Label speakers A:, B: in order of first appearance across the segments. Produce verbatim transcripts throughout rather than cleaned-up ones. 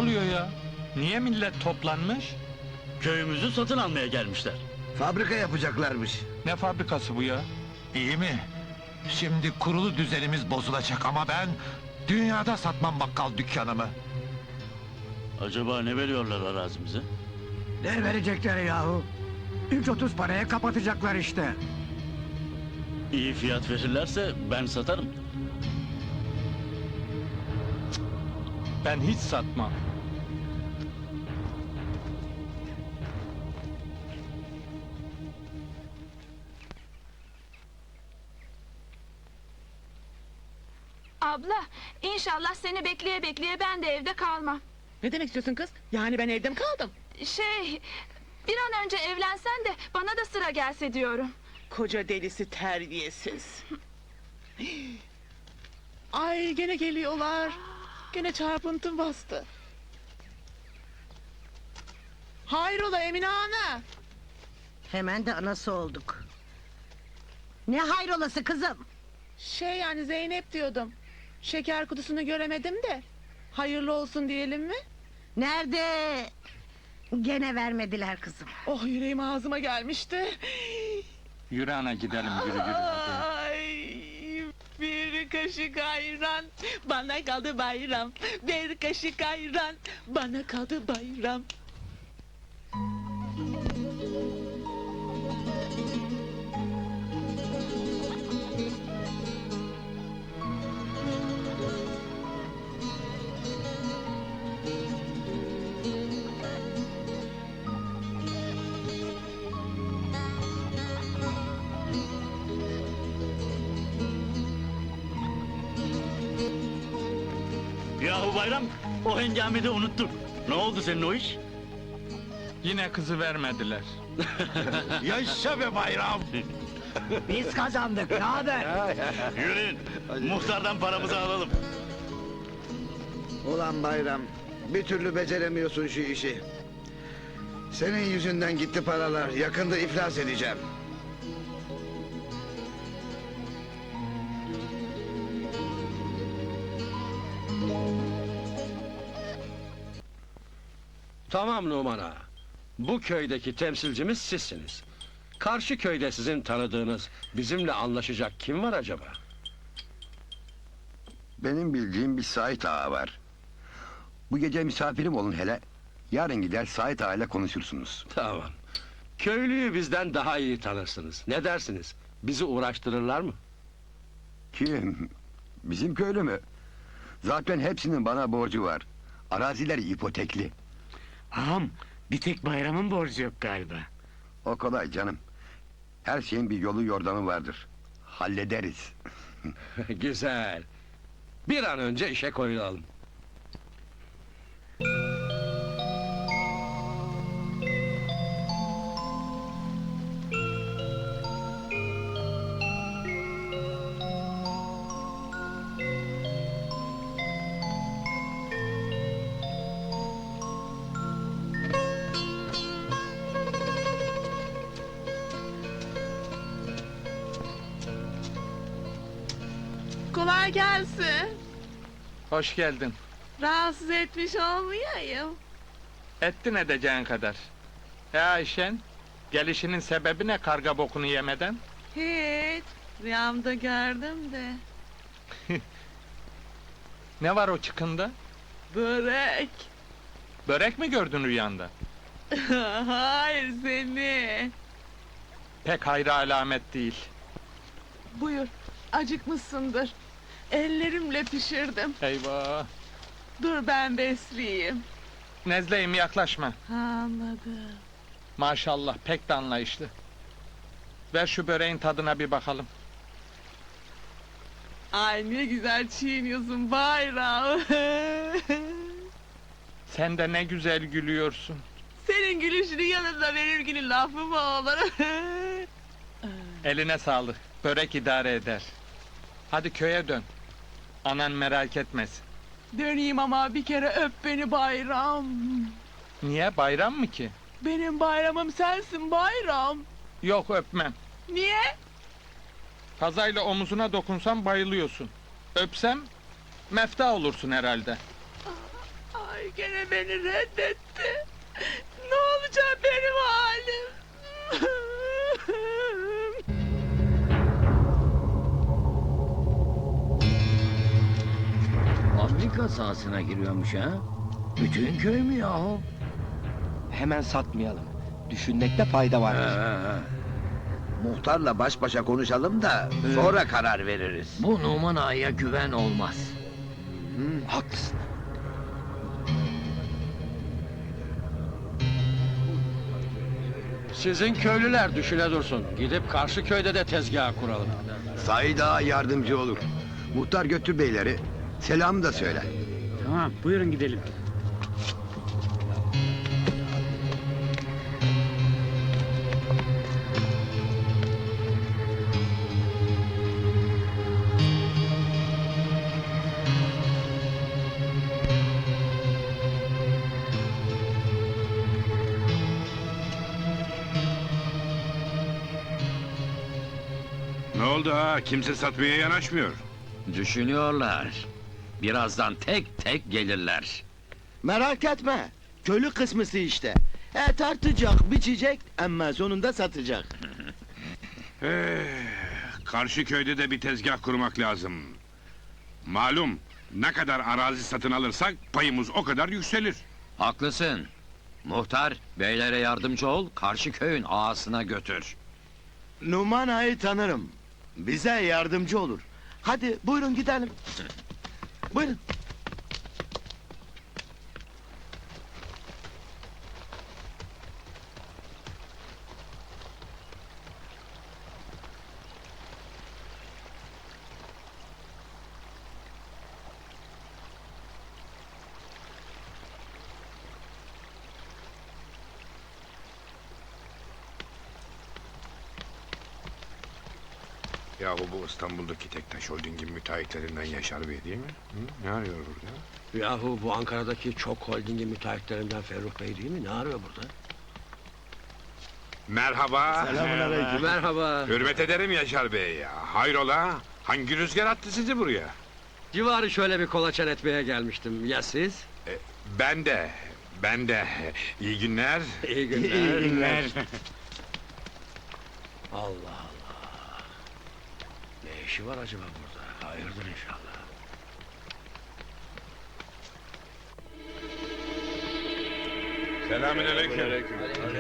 A: oluyor ya? Niye millet toplanmış?
B: Köyümüzü satın almaya gelmişler.
C: Fabrika yapacaklarmış.
A: Ne fabrikası bu ya?
D: İyi mi? Şimdi kurulu düzenimiz bozulacak ama ben... ...dünyada satmam bakkal dükkanımı.
B: Acaba ne veriyorlar arazimize?
E: Ne verecekleri yahu? Üç otuz paraya kapatacaklar işte.
B: İyi fiyat verirlerse ben satarım.
A: Ben hiç satmam.
F: Abla, inşallah seni bekleye bekleye ben de evde kalmam.
G: Ne demek istiyorsun kız? Yani ben evde mi kaldım?
F: Şey, bir an önce evlensen de bana da sıra gelse diyorum.
G: Koca delisi terbiyesiz. Ay gene geliyorlar. Gene çarpıntım bastı. Hayrola Emine Ana?
H: Hemen de anası olduk. Ne hayrolası kızım?
G: Şey yani Zeynep diyordum. Şeker kutusunu göremedim de. Hayırlı olsun diyelim mi?
H: Nerede? Gene vermediler kızım.
G: Oh yüreğim ağzıma gelmişti.
A: Yürü ana gidelim, yürü yürü. hadi.
G: Ay, bir kaşık ayran bana kaldı bayram. Bir kaşık ayran bana kaldı bayram.
B: Yahu Bayram, o hengamede unuttum. Ne oldu senin o iş?
A: Yine kızı vermediler.
D: Yaşa be bayram!
E: Biz kazandık, ne haber?
B: Yürüyün, muhtardan paramızı alalım.
C: Ulan Bayram, bir türlü beceremiyorsun şu işi. Senin yüzünden gitti paralar, yakında iflas edeceğim.
I: Tamam Numan Ağa. Bu köydeki temsilcimiz sizsiniz. Karşı köyde sizin tanıdığınız, bizimle anlaşacak kim var acaba?
J: Benim bildiğim bir Sait Ağa var. Bu gece misafirim olun hele. Yarın gider Sait Ağa ile konuşursunuz.
I: Tamam. Köylüyü bizden daha iyi tanırsınız. Ne dersiniz? Bizi uğraştırırlar mı?
J: Kim? Bizim köylü mü? Zaten hepsinin bana borcu var. Araziler ipotekli.
E: Ağam, bir tek bayramın borcu yok galiba.
J: O kolay canım. Her şeyin bir yolu yordamı vardır. Hallederiz.
I: Güzel. Bir an önce işe koyulalım.
G: Kolay gelsin.
A: Hoş geldin.
G: Rahatsız etmiş olmayayım.
A: Ettin edeceğin kadar. Ya Ayşen, gelişinin sebebi ne karga bokunu yemeden?
G: Hiç. Rüyamda gördüm de.
A: Ne var o çıkında?
G: Börek.
A: Börek mi gördün rüyanda?
G: Hayır seni.
A: Pek hayra alamet değil.
G: Buyur. Acıkmışsındır. Ellerimle pişirdim.
A: Eyvah!
G: Dur ben besleyeyim.
A: Nezleyim, yaklaşma.
G: Anladım.
A: Maşallah, pek de anlayışlı. Ver şu böreğin tadına bir bakalım.
G: Ay ne güzel çiğniyorsun Bayram.
A: Sen de ne güzel gülüyorsun.
G: Senin gülüşünün yanında benimkinin lafı mı olur?
A: Eline sağlık, börek idare eder. Hadi köye dön. Anan merak etmesin.
G: Döneyim ama bir kere öp beni Bayram.
A: Niye, bayram mı ki?
G: Benim bayramım sensin Bayram.
A: Yok, öpmem.
G: Niye?
A: Kazayla omuzuna dokunsam bayılıyorsun. Öpsem, mefta olursun herhalde.
G: Ay. Ay gene beni reddetti. Ne olacak benim halim?
E: Fabrika sahasına giriyormuş ha? Bütün köy mü yahu?
K: Hemen satmayalım. Düşünmekte fayda var.
C: Muhtarla baş başa konuşalım da sonra karar veririz.
E: Bu Numan Ağa'ya güven olmaz.
K: Haklısın.
I: Sizin köylüler düşüne dursun. Gidip karşı köyde de tezgah kuralım.
J: Said Ağa yardımcı olur. Muhtar götür beyleri. Selam da söyle.
B: Tamam, buyurun gidelim.
L: Ne oldu ha? Kimse satmaya yanaşmıyor.
B: Düşünüyorlar. Birazdan tek tek gelirler.
K: Merak etme. Köylü kısmısı işte. E tartacak, biçecek ama sonunda satacak.
L: Eh, karşı köyde de bir tezgah kurmak lazım. Malum, ne kadar arazi satın alırsak payımız o kadar yükselir.
B: Haklısın. Muhtar, beylere yardımcı ol, karşı köyün ağasına götür.
K: Numan Ağa'yı tanırım. Bize yardımcı olur. Hadi buyurun gidelim. Buyurun.
L: Yahu bu İstanbul'daki Tektaş Holding'in müteahhitlerinden Yaşar Bey değil mi? Hı? Ne arıyor burada?
I: Yahu bu Ankara'daki çok holdingin müteahhitlerinden Ferruh Bey değil mi? Ne arıyor burada?
L: Merhaba.
K: Selamünaleyküm.
I: Merhaba.
L: Hürmet ederim Yaşar Bey ya. Hayrola? Hangi rüzgar attı sizi buraya?
I: Civarı şöyle bir kolaçan etmeye gelmiştim. Ya siz?
L: E, ben de, ben de. İyi günler.
I: İyi günler.
L: İyi günler.
I: Allah Allah. Ne işi var acaba burada? Hayırdır inşallah.
L: Selamünaleyküm.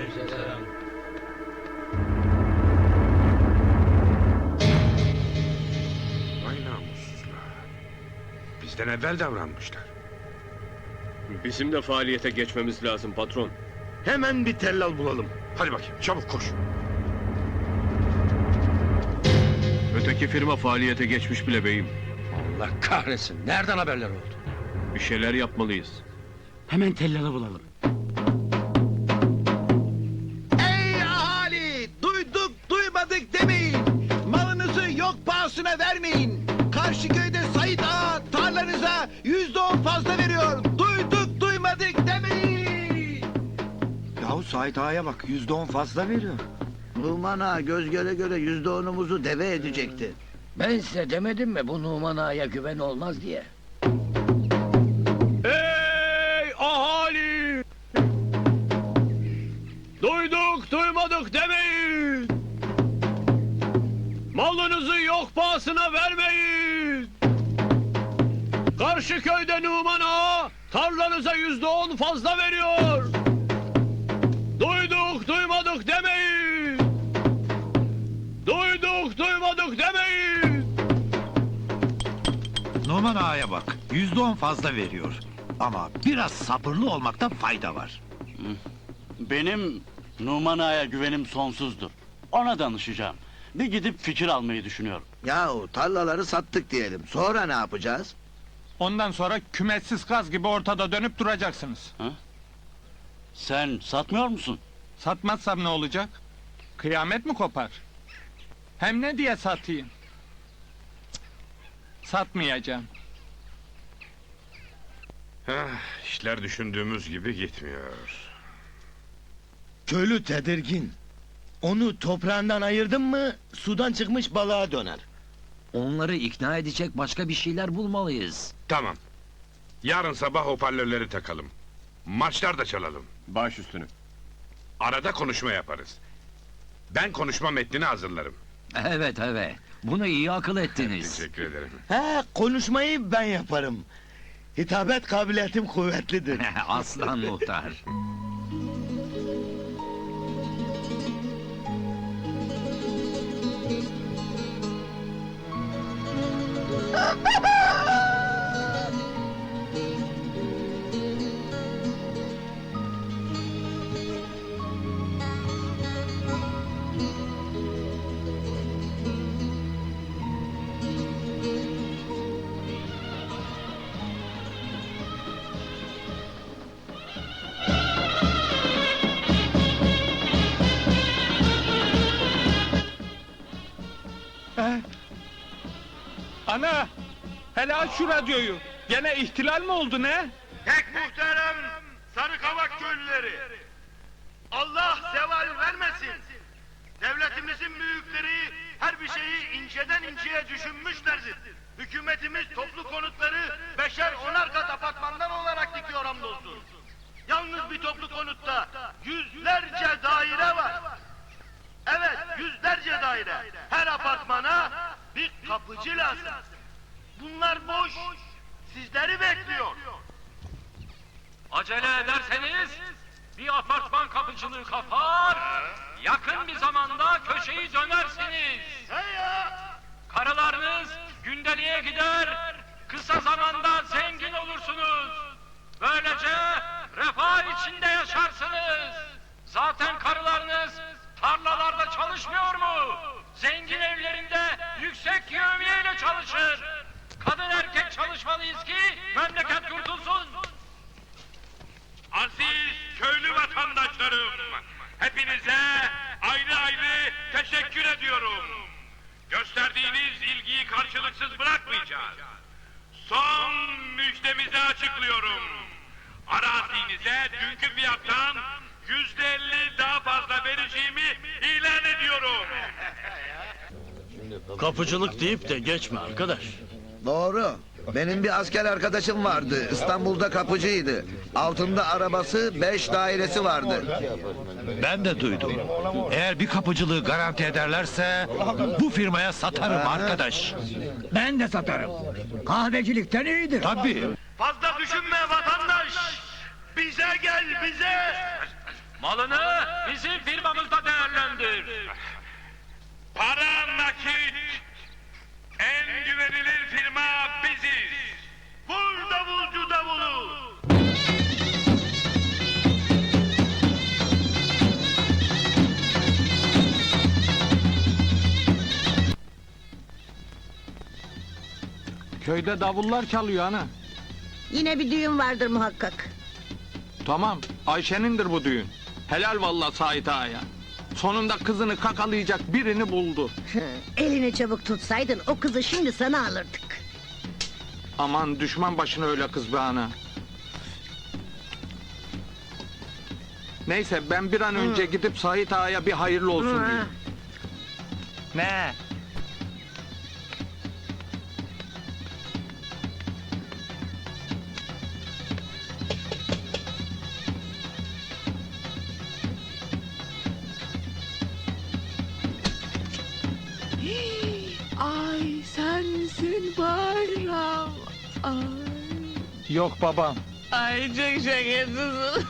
L: Vay namussuzlar. Bizden evvel davranmışlar.
K: Bizim de faaliyete geçmemiz lazım patron. Hemen bir tellal bulalım.
L: Hadi bakayım, çabuk koş.
K: Öteki firma faaliyete geçmiş bile beyim.
I: Allah kahretsin. Nereden haberler oldu?
K: Bir şeyler yapmalıyız.
B: Hemen tellalı bulalım.
K: Ey ahali! Duyduk duymadık demeyin. Malınızı yok pahasına vermeyin. Karşı köyde Said Ağa tarlanıza yüzde on fazla veriyor. Duyduk duymadık demeyin.
E: Yahu Sait Ağa'ya bak, yüzde on fazla veriyor.
C: Numan Ağa göz göre göre yüzde onumuzu deve edecekti.
E: Ben size demedim mi bu Numan Ağa'ya güven olmaz diye?
K: Ey ahali! Duyduk duymadık demeyin. Malınızı yok pahasına vermeyin. Karşı köyde Numan Ağa tarlanıza yüzde on fazla veriyor. Duyduk duymadık demeyin. Duyduk duymadık demeyin.
D: Numan Ağa'ya bak, yüzde on fazla veriyor. Ama biraz sabırlı olmakta fayda var.
B: Benim Numan Ağa'ya güvenim sonsuzdur. Ona danışacağım. Bir gidip fikir almayı düşünüyorum.
C: Yahu tarlaları sattık diyelim. Sonra ne yapacağız?
A: Ondan sonra kümessiz kaz gibi ortada dönüp duracaksınız.
B: Sen satmıyor musun?
A: Satmazsam ne olacak? Kıyamet mi kopar? Hem ne diye satayım? Cık, satmayacağım.
L: Heh, işler düşündüğümüz gibi gitmiyor.
K: Köylü tedirgin. Onu toprağından ayırdın mı sudan çıkmış balığa döner.
B: Onları ikna edecek başka bir şeyler bulmalıyız.
L: Tamam. Yarın sabah hoparlörleri takalım. Maçlar da çalalım.
I: Baş üstüne.
L: Arada konuşma yaparız. Ben konuşma metnini hazırlarım.
E: Evet evet. Bunu iyi akıl ettiniz.
L: Teşekkür ederim.
K: He, konuşmayı ben yaparım. Hitabet kabiliyetim kuvvetlidir.
E: Aslan muhtar.
A: Ana! Hele aç şu radyoyu. Gene ihtilal mi oldu ne?
C: Pek muhterem Sarıkavak köylüleri. Allah zeval vermesin. Devletimizin büyükleri her bir şeyi inceden inceye düşünmüşlerdir. Hükümetimiz toplu konutları beşer onar kat apartmanlar olarak dikiyor hamdolsun. Yalnız bir toplu konutta yüzlerce daire var. Evet, yüzlerce daire. Her apartmana bir kapıcı lazım. Bunlar boş. Sizleri bekliyor.
M: Acele ederseniz bir apartman kapıcılığı kapar, yakın bir zamanda köşeyi dönersiniz. Karılarınız gündeliğe gider, kısa zamanda zengin olursunuz. Böylece refah içinde yaşarsınız. Zaten karılarınız tarlalarda çalışmıyor mu? Zengin evlerinde yüksek yevmiyeyle çalışır. Kadın erkek çalışmalıyız ki memleket kurtulsun.
L: Aziz köylü vatandaşlarım, hepinize ayrı ayrı teşekkür ediyorum. Gösterdiğiniz ilgiyi karşılıksız bırakmayacağız. Son müjdemizi açıklıyorum. Arazinize dünkü fiyattan yüzde elli daha fazla vereceğimi ilan ediyorum.
B: Kapıcılık deyip de geçme arkadaş.
C: Doğru. Benim bir asker arkadaşım vardı. İstanbul'da kapıcıydı. Altında arabası, beş dairesi vardı.
D: Ben de duydum. Eğer bir kapıcılığı garanti ederlerse bu firmaya satarım arkadaş.
E: Ben de satarım. Kahvecilikten iyidir.
D: Tabii.
C: Fazla düşünme vatandaş. Bize gel bize.
M: Malını bizim firmamızda değerlendir.
L: Para nakit. En güvenilir firma biziz.
C: Vur davulcu davulu.
A: Köyde davullar çalıyor ana.
H: Yine bir düğün vardır muhakkak.
A: Tamam, Ayşe'nindir bu düğün. Helal vallahi Sait Ağa'ya. Sonunda kızını kakalayacak birini buldu.
H: Elini çabuk tutsaydın o kızı şimdi sana alırdık.
A: Aman düşman başına öyle kız be ana. Neyse ben bir an önce gidip Sait Ağa'ya bir hayırlı olsun
H: Hı.
A: diyeyim. Ne?
G: Ay sensin bayram. Ay.
A: Yok babam.
G: Ay çok şakasız.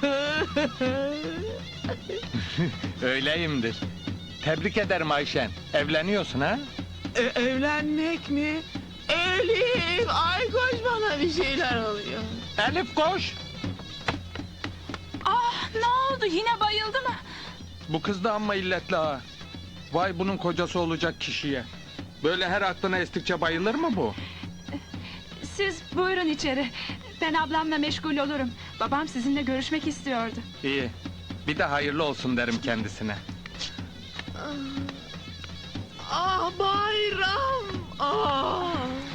A: Öyleyimdir. Tebrik ederim Ayşen. Evleniyorsun ha?
G: E, evlenmek mi? Elif, ay koş bana bir şeyler oluyor.
A: Elif koş.
F: Ah ne oldu yine bayıldı mı?
A: Bu kız da amma illetli ha. Vay bunun kocası olacak kişiye. Böyle her aklına estikçe bayılır mı bu?
F: Siz buyurun içeri. Ben ablamla meşgul olurum. Babam sizinle görüşmek istiyordu.
A: İyi. Bir de hayırlı olsun derim kendisine.
G: Ah bayram. Ah.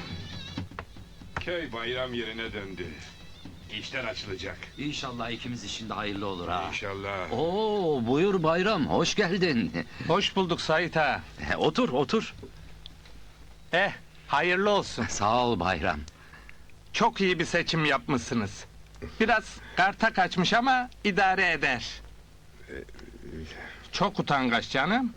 L: Köy bayram yerine döndü. İşler açılacak.
E: İnşallah ikimiz için de hayırlı olur ha.
L: İnşallah.
E: Oo buyur Bayram, hoş geldin.
A: Hoş bulduk Sait ha.
E: Otur, otur.
A: Eh, hayırlı olsun.
E: Sağ ol Bayram.
A: Çok iyi bir seçim yapmışsınız. Biraz karta kaçmış ama idare eder. Çok utangaç canım.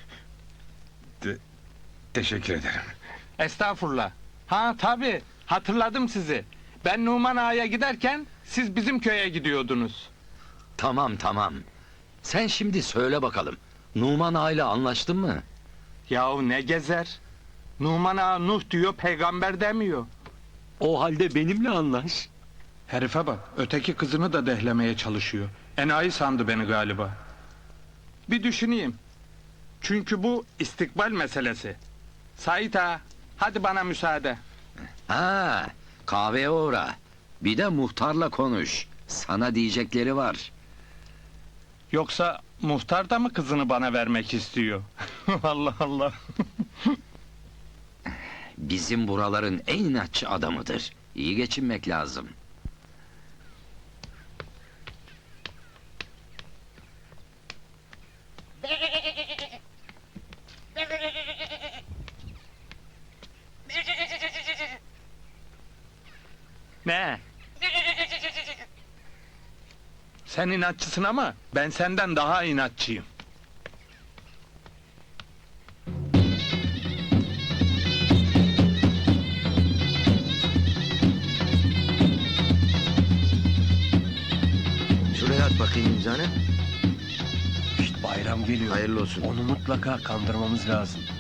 L: Teşekkür ederim.
A: Estağfurullah. Ha tabii, hatırladım sizi. Ben Numan Ağa'ya giderken siz bizim köye gidiyordunuz.
N: Tamam tamam. Sen şimdi söyle bakalım. Numan Ağa ile anlaştın mı?
A: Yahu ne gezer? Numan Ağa Nuh diyor, peygamber demiyor.
N: O halde benimle anlaş.
A: Herife bak, öteki kızını da dehlemeye çalışıyor. Enayi sandı beni galiba. Bir düşüneyim. Çünkü bu istikbal meselesi. Sait Ağa, hadi bana müsaade.
N: Ha, kahveye uğra. Bir de muhtarla konuş. Sana diyecekleri var.
A: Yoksa muhtar da mı kızını bana vermek istiyor? Allah Allah.
N: Bizim buraların en inatçı adamıdır. İyi geçinmek lazım.
A: Ne? Sen inatçısın ama ben senden daha inatçıyım.
C: Şuraya at bakayım imzanı.
I: Bayram geliyor.
C: Hayırlı olsun.
I: Onu mutlaka kandırmamız lazım.